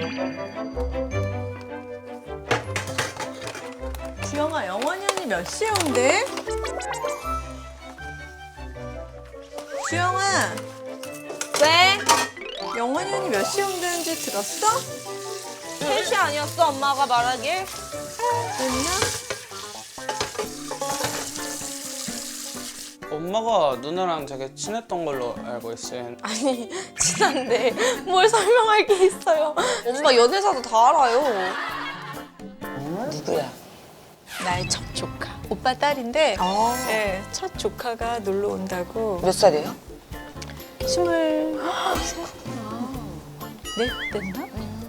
주영아, 영원이 언니 몇 시에 온대? 주영아, 왜? 영원이 언니 몇 시에 온다는지 들었어? 3시 아니었어, 엄마가 말하길? 됐나? 엄마가 누나랑 되게 친했던 걸로 알고 있어요. 아니, 친한데 뭘 설명할 게 있어요. 엄마 연애사도 다 알아요. 누구야? 나의 첫 조카. 오빠 딸인데 네, 첫 조카가 놀러 온다고. 몇 살이에요? 24넷 됐나?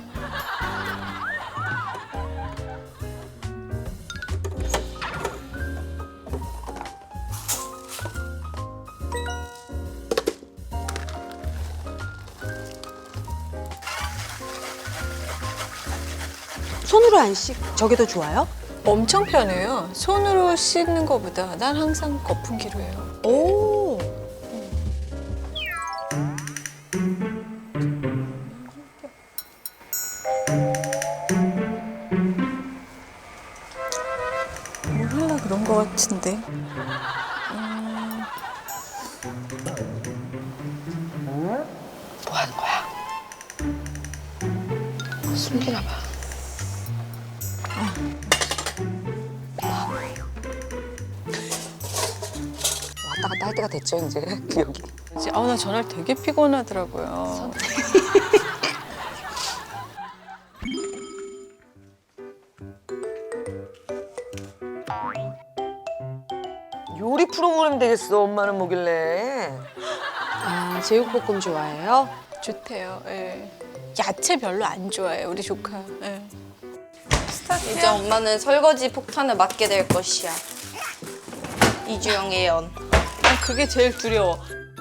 손으로 안 씻, 저게 더 좋아요? 엄청 편해요. 손으로 씻는 것보다 난 항상 거품기로 해요. 오. 뭘 하려 그런 것 같은데. 뭐 하는 거야? 숨기나 봐. 왔다 갔다 할 때가 됐죠, 이제, 기억이. 나 전날 되게 피곤하더라고요. 요리 프로그램 되겠어, 엄마는 뭐길래. 아, 제육볶음 좋아해요? 좋대요. 예. 야채 별로 안 좋아해 우리 조카. 예. 이제 엄마는 설거지 폭탄을 맞게 될 것이야. 이주영 예언. 난 그게 제일 두려워.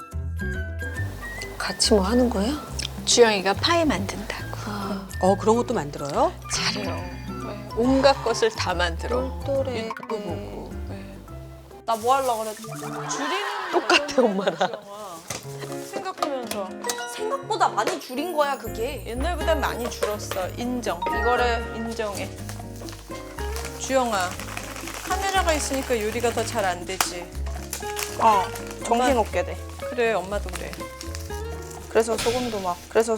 같이 뭐 하는 거야? 주영이가 파이 만든다고. 그런 것도 만들어요? 잘해요. 예. 온갖 것을 다 만들어. 또래. 유튜브 보고. 예. 나 뭐 하려고 그랬지? 줄이는 똑같아, 엄마랑. 영화. 생각하면서 생각보다 많이 줄인 거야, 그게. 옛날보다 많이 줄었어. 인정. 이거를 인정해. 주영아, 카메라가 있으니까 요리가 더 잘 안 되지. 정신 없게 돼. 그래, 엄마도 그래. 그래서 소금도 막.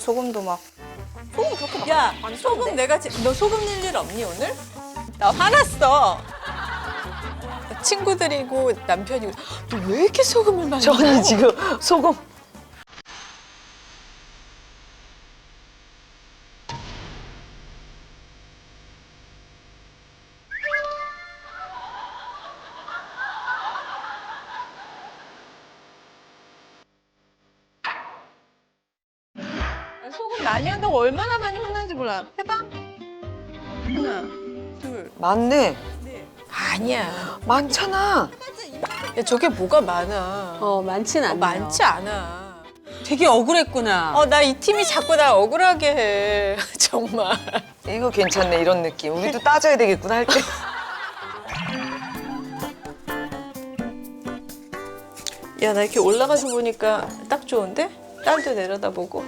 소금 그렇게 막. 야, 안 소금 썼는데? 너 소금 넣을 일 없니 오늘? 나 화났어. 친구들이고 남편이고 너 왜 이렇게 소금을 많이 저 넣어? 언니 지금 소금. 소금 많이 한다고 얼마나 많이 혼나는지 몰라. 해봐. 하나, 둘, 많네. 넷. 아니야. 많잖아. 야, 저게 뭐가 많아. 많진 않네요. 많지 않아. 되게 억울했구나. 나 이 팀이 자꾸 날 억울하게 해. 정말. 이거 괜찮네, 이런 느낌. 우리도 따져야 되겠구나, 할 때. 야, 나 이렇게 올라가서 보니까 딱 좋은데? 딸도 내려다보고.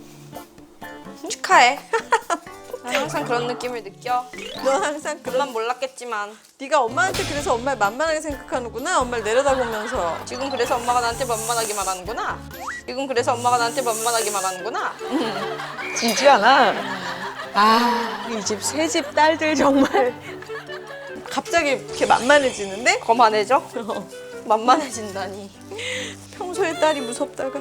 축하해. 난 항상 그런 느낌을 느껴. 넌 항상 그런. 난 몰랐겠지만. 네가 엄마한테 그래서 엄마를 만만하게 생각하는구나. 엄마를 내려다보면서. 지금 그래서 엄마가 나한테 만만하게 말하는구나. 지금 그래서 엄마가 나한테 만만하게 말하는구나. 지지 않아. 이 집 새 집 딸들 정말. 갑자기 이렇게 만만해지는데? 거만해져? 만만해진다니. 평소에 딸이 무섭다가.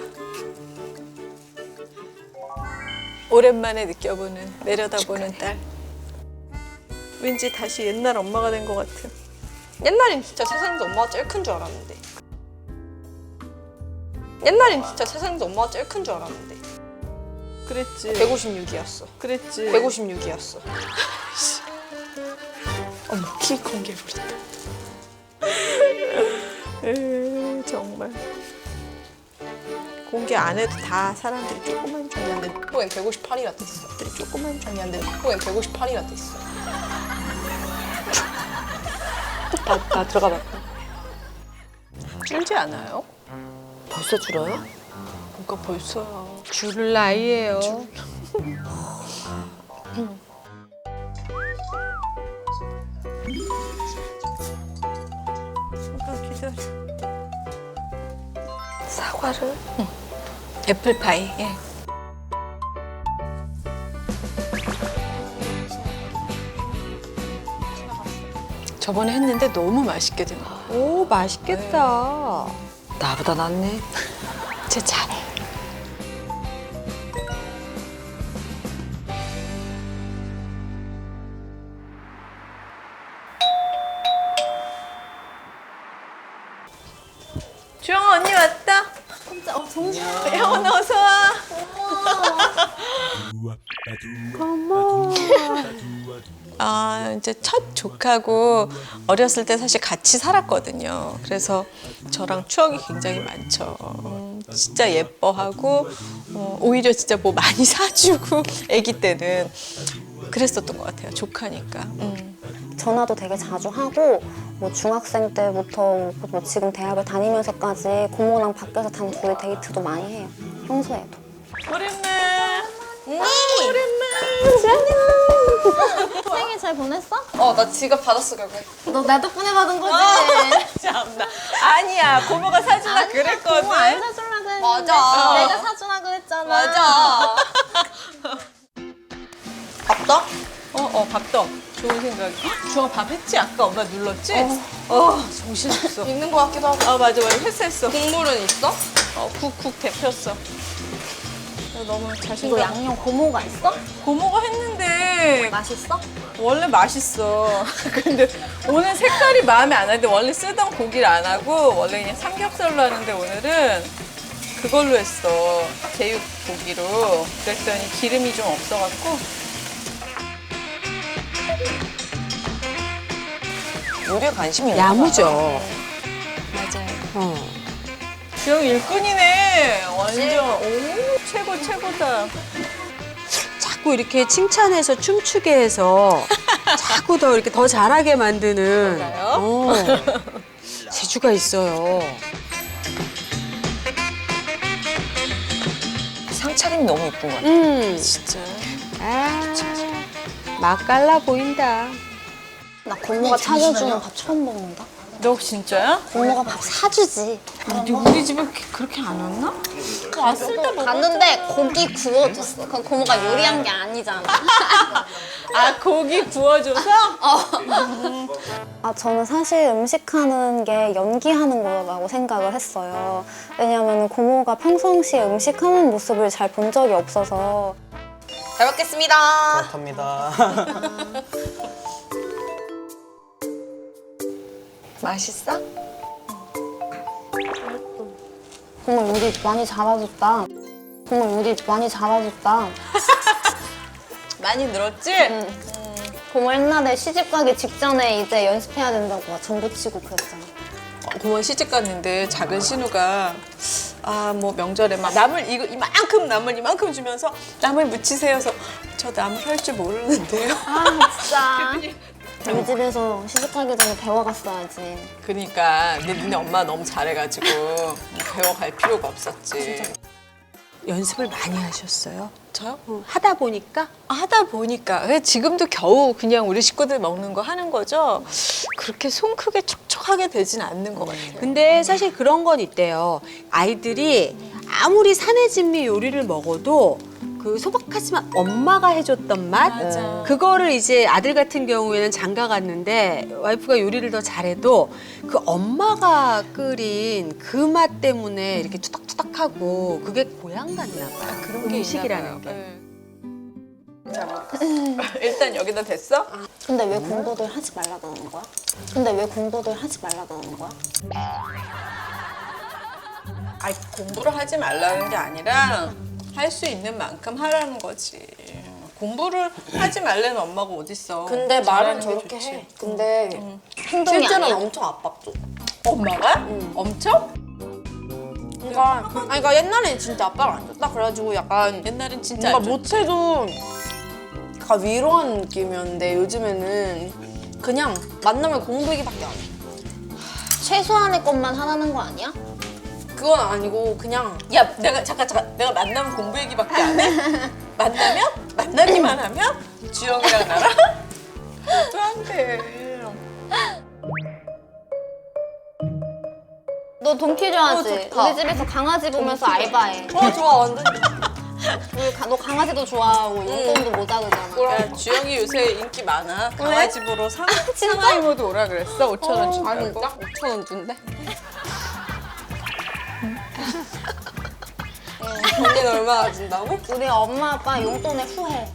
오랜만에 느껴보는, 내려다보는 딸. 왠지 다시 옛날 엄마가 된 것 같은. 옛날엔 진짜 세상에서 엄마가 제일 큰 줄 알았는데. 옛날엔 진짜 세상에서 엄마가 제일 큰 줄 알았는데. 그랬지. 156이었어. 그랬지. 156이었어. 어머, 키 공개해버렸다. 정말. 공개 안 해도 다 사람들이 조그만 줄 알았는데. 후엔 158이라 떴어. 조그만 줄 알았는데. 후엔 158이라 떴어. 나 들어가 봐. 줄지 않아요? 벌써 줄어요? 뭔가 벌써요. 줄을 나이예요. 잠깐 기다려. 사과를? 애플파이. 예. 저번에 했는데 너무 맛있게 된 거야. 오, 맛있겠다. 나보다 낫네. 제 잘해. 주영아 언니 왔다. 정신. 혜원 어서 와. 아 이제 첫 조카고 어렸을 때 사실 같이 살았거든요. 그래서 저랑 추억이 굉장히 많죠. 진짜 예뻐하고 오히려 진짜 뭐 많이 사주고 아기 때는 그랬었던 것 같아요. 조카니까. 전화도 되게 자주 하고 뭐 중학생 때부터 뭐 지금 대학을 다니면서까지 고모랑 밖에서 단둘이 데이트도 많이 해요. 평소에도. 오랜만. 생일 잘 보냈어? 나 지갑 받았어, 결국에. 너 내 덕분에 받은 거지? 참나. 아니야 고모가 사주라 그랬거든. 고모 안 사주려고 했는데 맞아. 내가 사주라고 했잖아. 맞아. 밥도? 밥떡. 좋은 생각이야. 주영아 밥 했지? 아까 엄마 눌렀지? 정신없어. 있는 것 같기도 하고. 아 맞아 했어. 국물은 있어? 쿡 데폈어. 너무 이거 자신감. 양념 고모가 있어? 고모가 했는데 맛있어? 원래 맛있어. 근데 오늘 색깔이 마음에 안 드는데 원래 쓰던 고기를 안 하고 원래 그냥 삼겹살로 하는데 오늘은 그걸로 했어. 제육 고기로. 그랬더니 기름이 좀 없어갖고. 요리에 관심이 있나 야무져. 맞아요. 주영 일꾼이네. 완전 오 최고다. 자꾸 이렇게 칭찬해서 춤추게 해서 자꾸 더 이렇게 더 잘하게 만드는 재주가 있어요. 상차림이 너무 예쁜 것 같아. 진짜. 맛깔나 보인다. 나 고모가 차려주는 밥 처음 먹는다. 너 진짜야? 고모가 밥 사주지. 우리 집에 그렇게 안 왔나? 왔을 때 먹었잖아. 갔는데 고기 구워줬어. 그건 고모가 요리한 게 아니잖아. 아 고기 구워줘서? 저는 사실 음식하는 게 연기하는 거라고 생각을 했어요. 왜냐하면 고모가 평상시에 음식하는 모습을 잘 본 적이 없어서. 잘 먹겠습니다. 그렇답니다. 맛있어? 고모 요리 많이 잘해줬다. 고모 요리 많이 잘해줬다. 많이 늘었지? 고모 옛날에 시집 가기 직전에 이제 연습해야 된다고 막 전부 치고 그랬잖아. 고모 시집 갔는데 작은 신우가 뭐 명절에 막 나물 이만큼 주면서 나물 무치세요. 해서 저 나물 할 줄 모르는데요. 진짜. 우리 집에서 시집 가기 전에 배워갔어야지. 그러니까 근데 니네 엄마 너무 잘해가지고 배워갈 필요가 없었지. 연습을 많이 하셨어요? 저요? 하다 보니까? 하다 보니까 왜 지금도 겨우 그냥 우리 식구들 먹는 거 하는 거죠. 그렇게 손 크게 촉촉하게 되진 않는 것 같아요. 근데 사실 그런 건 있대요. 아이들이 아무리 산해진미 요리를 먹어도 그 소박하지만 엄마가 해줬던 맛? 맞아. 그거를 이제 아들 같은 경우에는 장가 갔는데 와이프가 요리를 더 잘해도 그 엄마가 끓인 그 맛 때문에 이렇게 투닥투닥하고 그게 고향 같나 봐요. 그런 게 음식이라는 있나 게. 봐요. 자, 일단 여기다 됐어? 근데 왜 공부들 하지 말라 그러는 거야? 근데 왜 공부들 하지 말라 그러는 거야? 공부를 하지 말라는 게 아니라 할 수 있는 만큼 하라는 거지. 공부를 하지 말라는 엄마가 어딨어. 근데 말은 잘하는 게 저렇게 좋지. 해. 근데 행동이 실제로는 아니야? 엄청 압박줘. 엄마가? 엄청? 그러니까 옛날에는 진짜 압박을 안 줬다. 그래가지고 약간 옛날엔 진짜 뭔가 안 줬지. 못해도 약간 위로하는 느낌이었는데 요즘에는 그냥 만나면 공부 얘기밖에 안 해. 최소한의 것만 하라는 거 아니야? 그건 아니고 그냥 야, 내가 잠깐 내가 만나면 공부 얘기밖에 안 해? 만나면? 만나기만 하면 주영이랑 나랑 또 한대. 너 동키 좋아하지? 좋다. 우리 집에서 강아지 보면서 알바해. 좋아 완전. 너 강아지도 좋아하고 용돈도 모자르잖아. 야, 주영이 요새 인기 많아. 강아지 보러 상하이모도 오라 그랬어. 5,000원 준다고. 아 진짜? 5,000원 준대? 언니는 얼마나 준다고? 우리 엄마 아빠 용돈에 후회.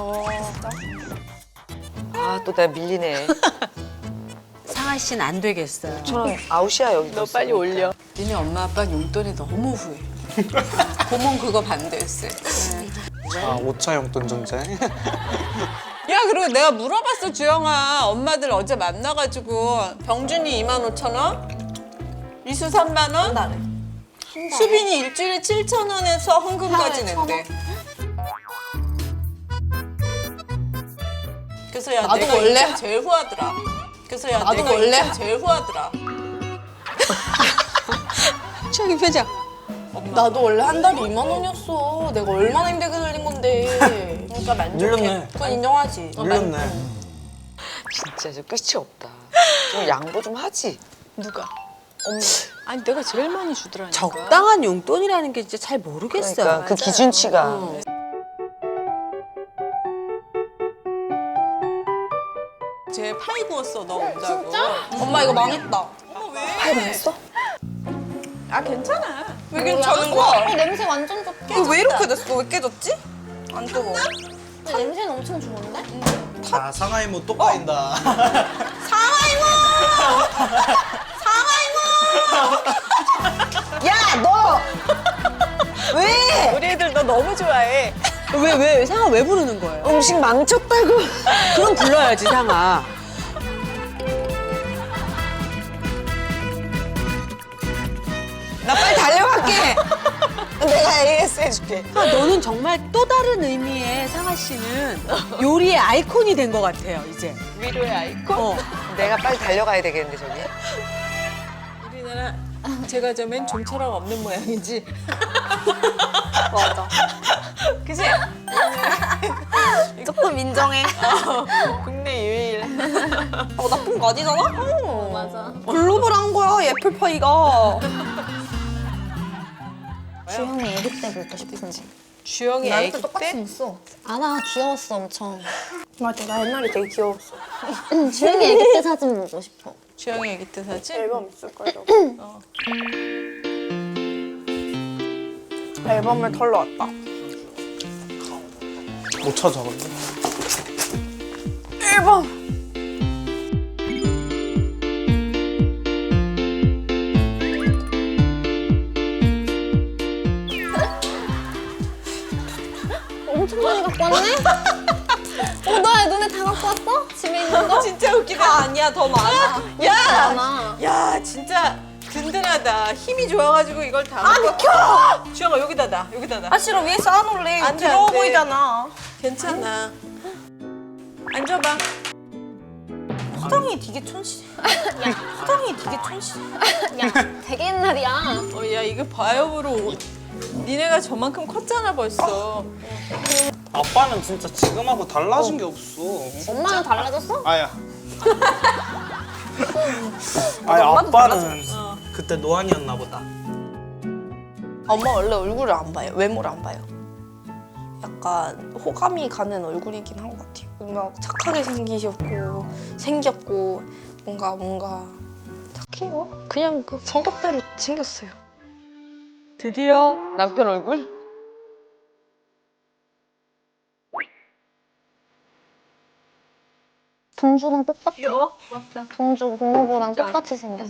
아, 또 내가 밀리네. 상아 씨는 안 되겠어요. 저는 아웃이야, 여기. 너 빨리 올려. 니네 엄마 아빠 용돈이 너무 후해. 고모 그거 반대했어. 아 5차 용돈 존재. 야, 그리고 내가 물어봤어, 주영아. 엄마들 어제 만나가지고 병준이 25,000원? 이수 3만원? 수빈이 일주일에 7,000원에서 헌금까지 낸대. 그래서 야, 나도 내가 원래 인생 제일 후하더라. 그래서 야, 나도 내가 원래 인생 제일 후하더라. 주영이 표정. 나도 원래 한 달에 2만 원이었어. 내가 얼마나 힘들게 들린 건데. 그러니까 만족해. 늘렸네. 그건 인정하지. 늘렸네. 진짜 저 끝이 없다. 좀 양보 좀 하지. 누가? 엄마. 아니, 내가 제일 많이 주더라니까. 적당한 용돈이라는 게 진짜 잘 모르겠어요. 그러니까 그 기준치가. 쟤 파이 구웠어, 너 온다고. 엄마 이거 망했다. 어머, 왜? 잘 먹었어? 아, 괜찮아. 왜 괜찮은 거야? 냄새 완전 좋다. 이거 왜 이렇게 됐어? 왜 깨졌지? 안 뜨거워. 근데 냄새는 엄청 좋은데? 자, 상하이모 또 까인다. 야, 너! 왜? 우리 애들 너 너무 좋아해. 왜? 상아 왜 부르는 거예요? 음식 망쳤다고. 그럼 불러야지, 상아. 나 빨리 달려갈게. 내가 AS 해줄게. 아, 너는 정말 또 다른 의미의 상아 씨는 요리의 아이콘이 된 것 같아요, 이제. 위로의 아이콘. 어. 내가 빨리 달려가야 되겠는데, 저기. 우리나라 제가 저맨 좀처럼 없는 모양이지. 맞아. 그치? 조금 인정해. 국내 유일. 나쁜 거 아니잖아? 맞아. 글로벌한 거야, 애플파이가. 주영이 애기 때부터 싶은지. 주영이 나랑 애기 똑같이 때? 생겼어. 알아, 귀여웠어, 엄청. 맞아, 나 옛날에 되게 귀여웠어. 주영이 애기 때 사진 보고 싶어. 주영이 애기 때 사진? 앨범 있을걸요? 앨범을 털러 왔다. 못 찾아 근데. 앨범! 엄청 많이 갖고 왔네? 너의 눈에 다 갖고 왔어? 집에 있는 거? 진짜 웃기다. 아니야, 더 많아. 야! 많아. 야, 진짜 든든하다. 힘이 좋아가지고 이걸 다. 아, 비켜! 주영아, 여기다 놔. 여기다 놔. 아, 싫어, 위에 쌓아놓을래. 안 돼, 더러워 안 돼. 보이잖아. 괜찮아. 앉아봐. 화장이 되게 화장이 되게 천시. 야, 되게 옛날이야. 야, 이거 바이오브로 니네가 저만큼 컸잖아, 벌써. 아빠는 진짜 지금하고 달라진 게 없어. 엄마는 달라졌어? 아야. 아니 아빠는 그때 노안이었나 보다. 엄마 원래 얼굴을 안 봐요. 외모를 안 봐요. 약간 호감이 가는 얼굴이긴 한 것 같아요. 뭔가 착하게 생겼고 뭔가 착해요. 그냥 그 성격대로 생겼어요. 드디어 남편 얼굴? 동주랑 똑같아. 동주 고모부랑 똑같이 생겼어.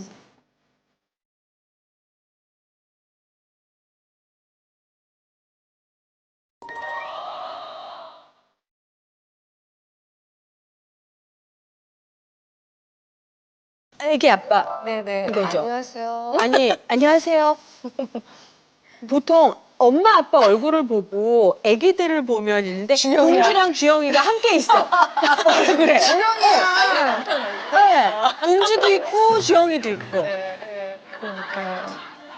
애기 아빠. 네네. 이거죠? 안녕하세요. 아니, 안녕하세요. 보통 엄마 아빠 얼굴을 보고 애기들을 보면 있는데 동주랑 주영이가 함께 있어. 그래. 주영이야. 네. 동주도 있고 주영이도 있고.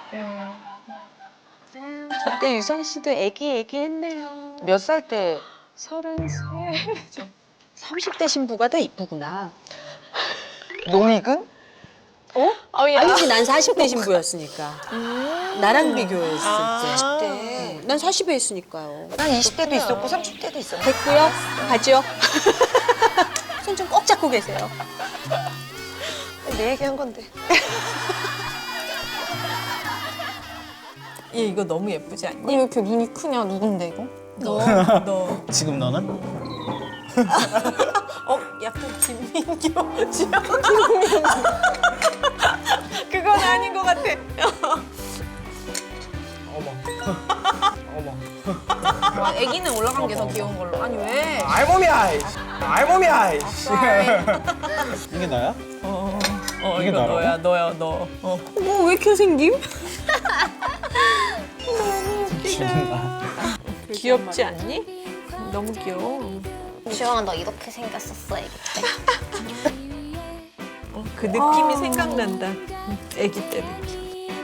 그때 유선 씨도 애기 했네요. 몇 살 때 33. 30대 신부가 더 이쁘구나. 농익은? 아니지, 난 40대 신부였으니까. 나랑 비교했을 때. 네. 난 40에 했으니까요. 난 20대도 있었고 30대도 있었네. 됐고요. 가죠. 손 좀 꼭 잡고 계세요. 내 얘기한 건데. 얘 이거 너무 예쁘지 않니? 왜 이렇게 눈이 크냐? 누군데 이거? 너. 지금 너는? 약간 김민교 지영 김민교. 그건 아닌 것 같아. 애기는 올라간 게 더 귀여운 걸로. 아니 왜? 알몸이야. 알몸이야. 이게 나야? 이게 이거 나라고? 너야 너. 뭐 왜 이렇게 생김? 귀엽지 않니? 너무 귀여워. 주영아 너 이렇게 생겼었어 애기 때. 그 느낌이 생각난다. 아기 때 느낌.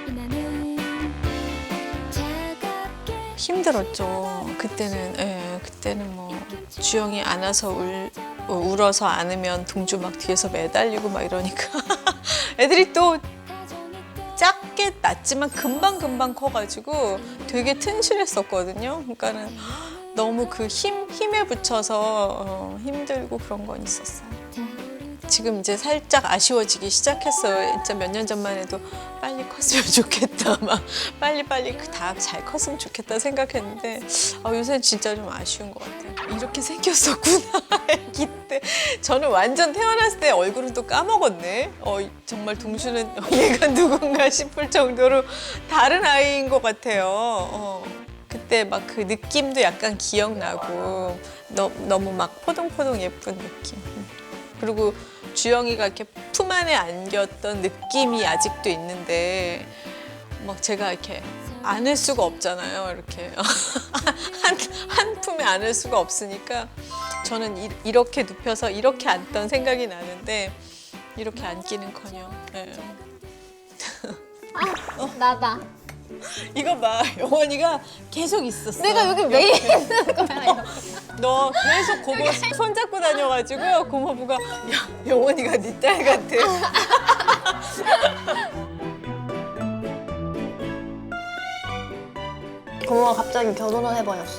힘들었죠. 그때는 뭐 주영이 안아서 울어서 안으면 동주 막 뒤에서 매달리고 막 이러니까 애들이 또 작게 났지만 금방 커가지고 되게 튼실했었거든요. 그러니까는 너무 그 힘에 붙여서 힘들고 그런 건 있었어요. 지금 이제 살짝 아쉬워지기 시작했어요. 진짜 몇 년 전만 해도 빨리 컸으면 좋겠다. 막 빨리 다 잘 컸으면 좋겠다 생각했는데 요새는 진짜 좀 아쉬운 것 같아요. 이렇게 생겼었구나. 아기 때. 저는 완전 태어났을 때 얼굴은 또 까먹었네. 정말 동주는 얘가 누군가 싶을 정도로 다른 아이인 것 같아요. 그때 막 그 느낌도 약간 기억나고 너무 막 포동포동 예쁜 느낌. 그리고 주영이가 이렇게 품 안에 안겼던 느낌이 아직도 있는데 막 제가 이렇게 안을 수가 없잖아요. 이렇게 한 품에 안을 수가 없으니까 저는 이렇게 눕혀서 이렇게 앉던 생각이 나는데 이렇게 앉기는커녕. 네. 나다. 이거 봐, 영원이가 계속 있었어. 내가 여기 매일 있는 거야. 너 계속 고모 손잡고 다녀가지고 고모부가 야, 영원이가 네 딸 같아. 고모가 갑자기 결혼을 해버렸어.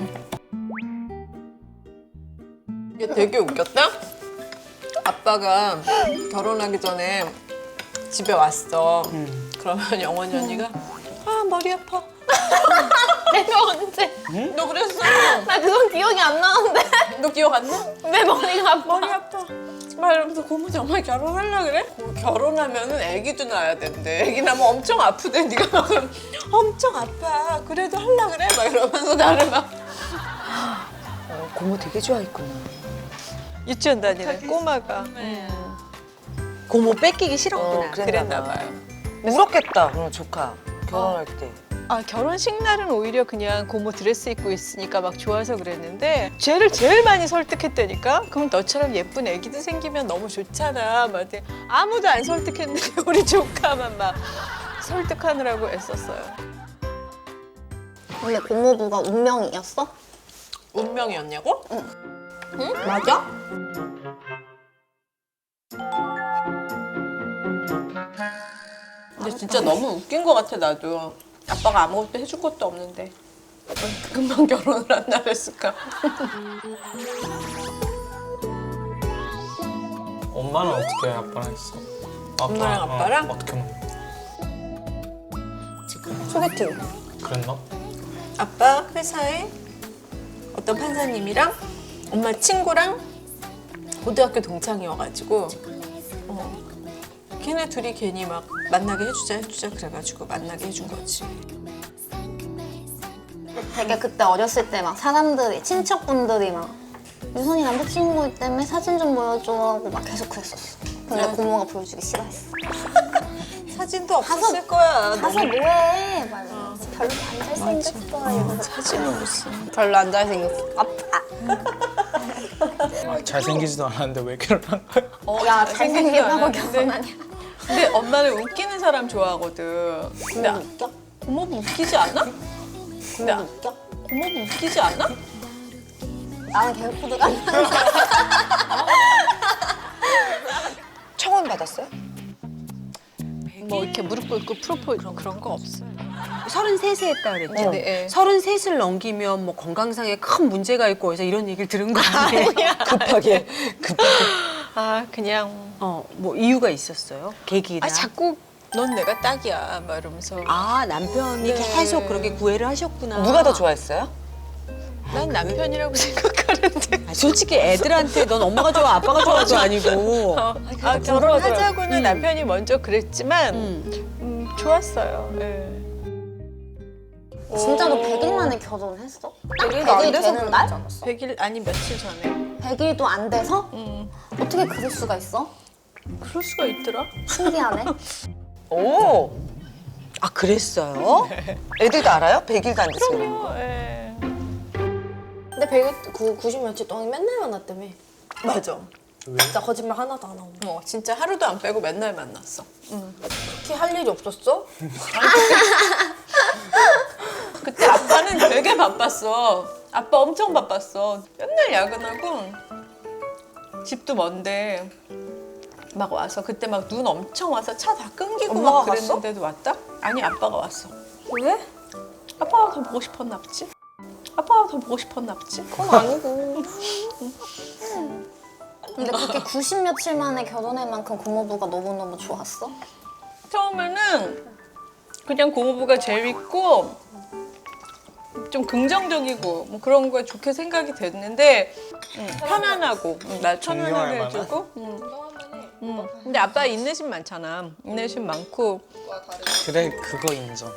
이게 되게 웃겼다. 아빠가 결혼하기 전에 집에 왔어. 그러면 영원이 언니가 머리 아파. 내가 언제? 너 그랬어? 나 그건 기억이 안 나는데. 너 기억 안 나? 내 머리가 아파. 머리 아파. 막 이러면서 고모 정말 결혼하려 그래? 결혼하면은 아기도 낳아야 된대. 아기 낳으면 엄청 아프대. 네가 막 그러면 엄청 아파. 그래도 하려 그래? 막 이러면서 나를 막 고모 되게 좋아했구나. 유치원 다니는 꼬마가 고모 뺏기기 싫었구나. 그랬나 봐요. 울었겠다, 그럼 조카. 결혼할 때. 결혼식 날은 오히려 그냥 고모 드레스 입고 있으니까 막 좋아서 그랬는데 쟤를 제일 많이 설득했다니까. 그럼 너처럼 예쁜 애기도 생기면 너무 좋잖아. 막 이렇게 아무도 안 설득했는데 우리 조카만 막 설득하느라고 애썼어요. 근데 고모부가 운명이었어? 운명이었냐고? 응? 맞아? 근데 진짜 너무 웃긴 것 같아 나도. 아빠가 아무것도 해줄 것도 없는데 금방 결혼을 한다 그랬을까? 엄마는 어떻게 아빠랑 했어? 엄마랑 아빠랑? 어떻게 만 소개팅. 그랬나? 아빠 회사에 어떤 판사님이랑 엄마 친구랑 고등학교 동창이어가지고 걔네 둘이 괜히 막 만나게 해주자 그래가지고 만나게 해준 거지. 되게 그때 어렸을 때 막 사람들이 친척분들이 막 유선이 남자친구 때문에 사진 좀 보여줘 하고 막 계속 그랬었어. 근데 고모가 보여주기 싫어했어. 사진도 없었을 거야. 가서 뭐해? 막 이러면서 별로 안 잘생겼어. 이러면서 사진은 무슨. 별로 안 잘생겼어. 아파. 잘생기지도 않았는데 왜 결혼한 거야? 야 잘생겼다고 결혼하냐? 근데 엄마는 웃기는 사람 좋아하거든. 근데 웃겨? 고모부 웃기지 않아? 근데 웃겨? 고모부 웃기지 않아? 나는 개그코드가 안 나는 청혼 받았어요? 뭐 이렇게 무릎 꿇고 프로포즈 그런 거 없어요. 33세 했다 그랬죠? 네. 33을 넘기면 뭐 건강상에 큰 문제가 있고 그래서 이런 얘기를 들은 거 아니에요? 급하게. 아 그냥 뭐 이유가 있었어요? 계기나? 자꾸 넌 내가 딱이야 막 이러면서 남편이 네. 계속 그렇게 구애를 하셨구나. 누가 더 좋아했어요? 난 남편이라고 생각하는데 솔직히 애들한테 넌 엄마가 좋아 아빠가 좋아도 아니고. 결혼하자고는 남편이 먼저 그랬지만 좋았어요. 네. 진짜로 100일 만에 결혼했어? 100일도 안 100일 돼서 되는 날? 100일 아니 며칠 전에 100일도 안 돼서? 어떻게 그럴 수가 있어? 그럴 수가 있더라. 신기하네. 오. 아 그랬어요? 애들도 알아요? 100일도 안 됐어요. 네. 근데 100일 90 며칠 동안 맨날 만났다며. 맞아. 진짜 거짓말 하나도 안 하고. 진짜 하루도 안 빼고 맨날 만났어. 특히 할 일이 없었어? 그때 아빠는 되게 바빴어. 아빠 엄청 바빴어. 맨날 야근하고 집도 먼데 막 와서 그때 막 눈 엄청 와서 차 다 끊기고 엄마가 막 그랬는데도 왔다? 아니 아빠가 왔어. 왜? 아빠가 더 보고 싶었나 보지? 아빠가 더 보고 싶었나 보지? 그건 아니고. 근데 그렇게 90 며칠 만에 결혼할 만큼 고모부가 너무너무 좋았어? 처음에는 그냥 고모부가 재밌고 좀 긍정적이고 뭐 그런 거에 좋게 생각이 됐는데 편안하고 날 편안하게 존경할 해주고 근데 아빠 인내심 많잖아. 인내심 많고 그래 그거 인정.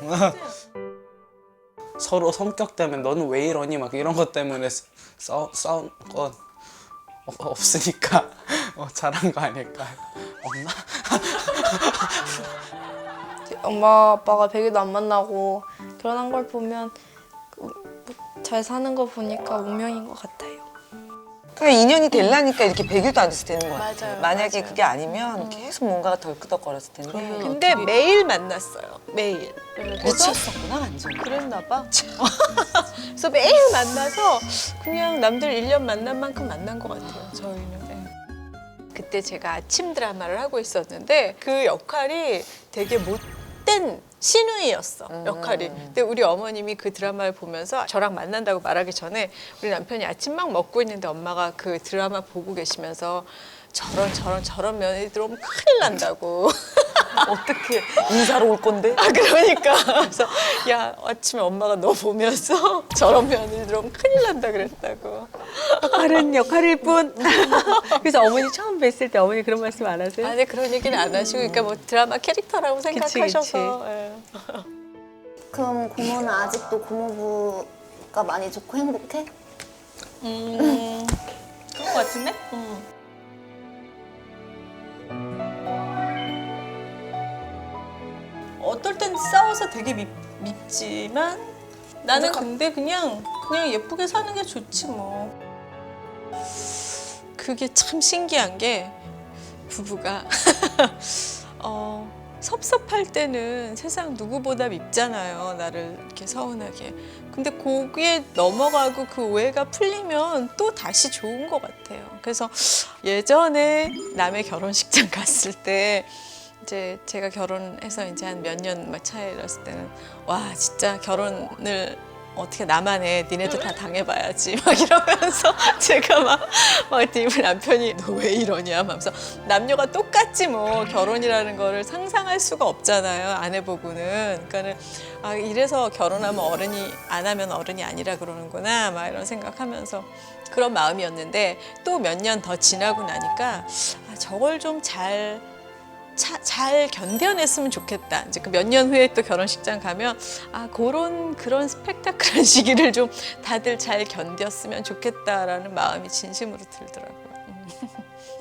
서로 성격 때문에 너는 왜 이러니 막 이런 것 때문에 싸운 건 없으니까 잘한 거 아닐까요? 없나? 엄마 아빠가 100일도 안 만나고 결혼한 걸 보면 잘 사는 거 보니까 운명인 것 같아요. 그냥 인연이 되려니까 이렇게 100일도 안 돼서 되는 거 같아요. 맞아요, 만약에 맞아요. 그게 아니면 계속 뭔가가 덜끄덕거렸을 텐데. 근데 매일 만났어요. 매일. 미쳤었구나 완전. 그랬나 봐. 그래서 매일 만나서 그냥 남들 1년 만난 만큼 만난 것 같아요. 저희는. 네. 그때 제가 아침 드라마를 하고 있었는데 그 역할이 되게 못된 신우이였어. 역할이. 근데 우리 어머님이 그 드라마를 보면서 저랑 만난다고 말하기 전에 우리 남편이 아침 막 먹고 있는데 엄마가 그 드라마 보고 계시면서 저런 며느리 들어오면 큰일 난다고. 어떻게 인사로 올 건데? 그러니까 그래서 야 아침에 엄마가 너 보면서 저런 며느리 들어오면 큰일 난다 그랬다고. 다른 역할일 뿐. 그래서 어머니 처음 뵀을 때 어머니 그런 말씀 안 하세요? 아니 그런 얘기는 안 하시고 그러니까 뭐 드라마 캐릭터라고 생각하셔서. 예. 그럼 고모는 아직도 고모부가 많이 좋고 행복해? 그런 것 같은데? 어떨 땐 싸워서 되게 밉지만 나는 근데 그냥 예쁘게 사는 게 좋지 뭐. 그게 참 신기한 게 부부가 섭섭할 때는 세상 누구보다 밉잖아요. 나를 이렇게 서운하게. 근데 거기에 넘어가고 그 오해가 풀리면 또 다시 좋은 것 같아요. 그래서 예전에 남의 결혼식장 갔을 때 이제 제가 결혼해서 이제 한 몇 년 막 차이였을 때는 와 진짜 결혼을 어떻게 나만 해 니네도 다 당해봐야지 막 이러면서 제가 막 우리 남편이 너 왜 이러냐 하면서 남녀가 똑같지 뭐 결혼이라는 거를 상상할 수가 없잖아요 안 해보고는. 그러니까는 이래서 결혼하면 어른이 안 하면 어른이 아니라 그러는구나 막 이런 생각하면서 그런 마음이었는데 또 몇 년 더 지나고 나니까 저걸 좀 잘 견뎌냈으면 좋겠다. 이제 그 몇 년 후에 또 결혼식장 가면 그런 스펙타클한 시기를 좀 다들 잘 견뎠으면 좋겠다라는 마음이 진심으로 들더라고요.